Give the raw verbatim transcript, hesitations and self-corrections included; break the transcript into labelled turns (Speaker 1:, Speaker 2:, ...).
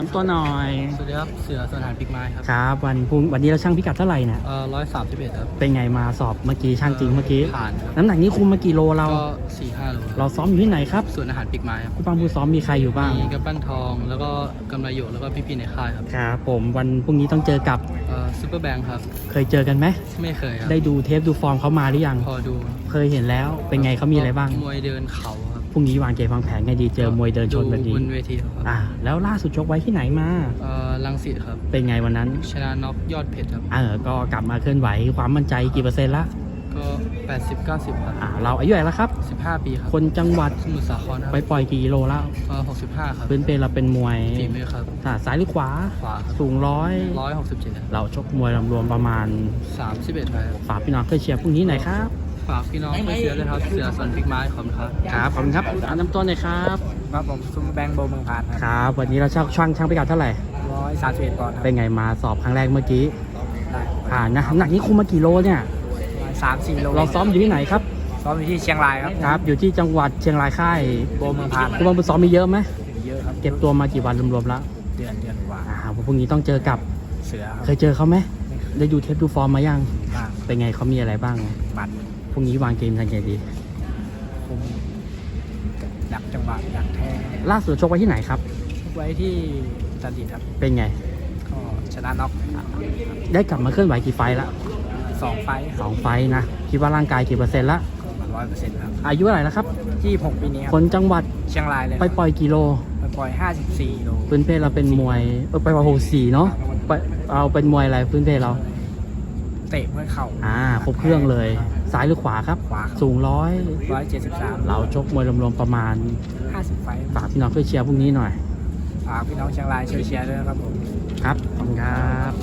Speaker 1: ตัวหน่อย
Speaker 2: สวัสดีครับเสือสถานปิกไม้ครับ
Speaker 1: ครับวันพรุ่งวันนี้เราช่างพิกัดเท่าไหร่เนี่ย
Speaker 2: เอ่อร้อยสามสิบเอ็ดครับ
Speaker 1: เป็นไงมาสอบเมื่อกี้ช่างจริงเมื่อกี้
Speaker 2: ผ่านครับ
Speaker 1: น้ำหนักนี้คุมมากี่โลเรา
Speaker 2: ก็สี่ห้าโล
Speaker 1: เราซ้อมอยู่ที่ไหนครับ
Speaker 2: ส่วนอาหารปิกไม้ครับ
Speaker 1: ผู้ปังผู้ซ้อมมีใครอยู่บ้าง
Speaker 2: มีกระปั้นทองแล้วก็กำไรหยกแล้วก็พี่ๆในค่ายครับ
Speaker 1: ครับผมวันพรุ่งนี้ต้องเจอกับ
Speaker 2: เอ่อซูเปอร์แบงค์ครับ
Speaker 1: เคยเจอกันไหม
Speaker 2: ไม่เคยครับ
Speaker 1: ได้ดูเทปดูฟอร์มเขามาหรือยัง
Speaker 2: พอดู
Speaker 1: เคยเห็นแล้วเป็นไงเขามีอะไรบ้าง
Speaker 2: มวยเดินเขาครับ
Speaker 1: พรุ่งนี้วางเกมวางแผนไงดีเจอมวยเดินชนแบบนี้
Speaker 2: บนเวทีครับ
Speaker 1: อ่าแล้วล่าสุดชกไว้ที่ไหนมา
Speaker 2: เอ่อลังสิตครับ
Speaker 1: เป็นไงวันนั้น
Speaker 2: ชนะน็อกยอดเพชรครับ
Speaker 1: เออก็กลับมาเคลื่อนไหวความมั่นใจกี่เปอร์เซ็นต์ละ
Speaker 2: ก็แปดสิบ เก้าสิบครับ
Speaker 1: อ่าเราอายุเท่าไหร่แล้วครับ
Speaker 2: สิบห้าปีครับ
Speaker 1: คนจังหวัด
Speaker 2: สมุทรสาครครั
Speaker 1: ไปปล่อยกี่กิโลแล้ว
Speaker 2: เอ่อหกสิบห้าครับ
Speaker 1: พื้นเพเราเป็นมวย
Speaker 2: ฝีมือครับ
Speaker 1: อ่าซ้ายหรือขวา
Speaker 2: ขวาครับ
Speaker 1: สูงร้อย
Speaker 2: ร้อยหกสิบเจ็ดครับ
Speaker 1: เราชกมวยรวมๆประมาณ
Speaker 2: สามสิบเอ็ดครับ
Speaker 1: ฝากพี่น้องเคยเชียร์พรุ่งนี้หน่อยครับ
Speaker 2: ฝากพี่น้องช่วยเชียร์ด้วยครับเสือสถานปิกไม้ขอบคุณครับ
Speaker 1: ครับขอบคุณครับอันน้ำต้นหน่อยครับ
Speaker 3: ครับผมซุมแบงค์โบเมืองพานค
Speaker 1: ครับ รับวันนี้เราช่างช่างช่างพิกัดเท่าไหร่
Speaker 3: ร้อยสามสิบเอ็ดปอนด์ครับ
Speaker 1: เป็นไงมาสอบครั้งแรกเมื่อกี้
Speaker 3: ได้
Speaker 1: ผ่านนะน้ำหนักนี้คุมมากี่โลเนี่ย
Speaker 3: สามสี่โล
Speaker 1: เราซ้อมอยู่ที่ไหนครับ
Speaker 3: ซ้อมอยู่ที่เชียงรายครับ
Speaker 1: ครับ อยู่ที่จังหวัดเชียงรายค่าย
Speaker 3: โบเมืองพาน
Speaker 1: คุณบังบุญซ้อมมีเยอะไหม
Speaker 3: เยอะครับ
Speaker 1: เก็บตัวมากี่วันรวมๆแล้ว
Speaker 3: เดือนเดือนกว่า
Speaker 1: อ่าพรุ่งนี้ต้องเจอกับ
Speaker 3: เสือครับ
Speaker 1: เคยเจอเขาไหมได้ดูเทปดูฟอร์มมายัง
Speaker 3: บ้าง
Speaker 1: เป็นไงเขามีอะไรบ้าง
Speaker 3: บัตร
Speaker 1: พรุ่งนี้วางเกมทันไงดี
Speaker 3: คุมดักจังหวะดักแทง
Speaker 1: ล่าสุดชกไว้ที่ไหนครับ
Speaker 3: ไว้ที่จันทร์ครับ
Speaker 1: เป็นไง
Speaker 3: ก็ชนะน็อก
Speaker 1: ได้กลับมาเคลื่อนไหวกี่ไฟล์ละ
Speaker 3: สองไฟท์
Speaker 1: สองไฟล์นะ คิดว่าร่างกายกี่เปอร์เซ็นต์ละ
Speaker 3: ร้อยเปอร์เซ็นต์ครับ
Speaker 1: อายุเท่าไหร่แล้วครับ
Speaker 3: ยี่สิบหกปีนี้ค
Speaker 1: ครับ นจังหวัด
Speaker 3: เชียงรายเลย
Speaker 1: ไปปล่อยกิโล
Speaker 3: ไปปล่อยห้าสิบสี่โล
Speaker 1: พื้นเพเราเป็นมวย เออไปปล่อยหกสี่เนาะไปเอาเป็นมวยอะไรพื้นเพเรา
Speaker 3: เตะเมื่อเข่า
Speaker 1: อ่า ครบเครื่องเลย ซ้ายหรือขวาครับ
Speaker 3: ขวาครับ
Speaker 1: สูงร้อย
Speaker 3: ร้อยเจ็ดสิบสาม
Speaker 1: เราชกมวยรวมๆประมาณ
Speaker 3: ห้าสิบไฟท์
Speaker 1: ฝากพี่น้องช่วยเชียร์พรุ่งนี้หน่อย
Speaker 3: ฝากพี่น้องเชียงรายช่วยเชียร์ด้วยนะครับผม
Speaker 1: ครับ ขอบคุณครับ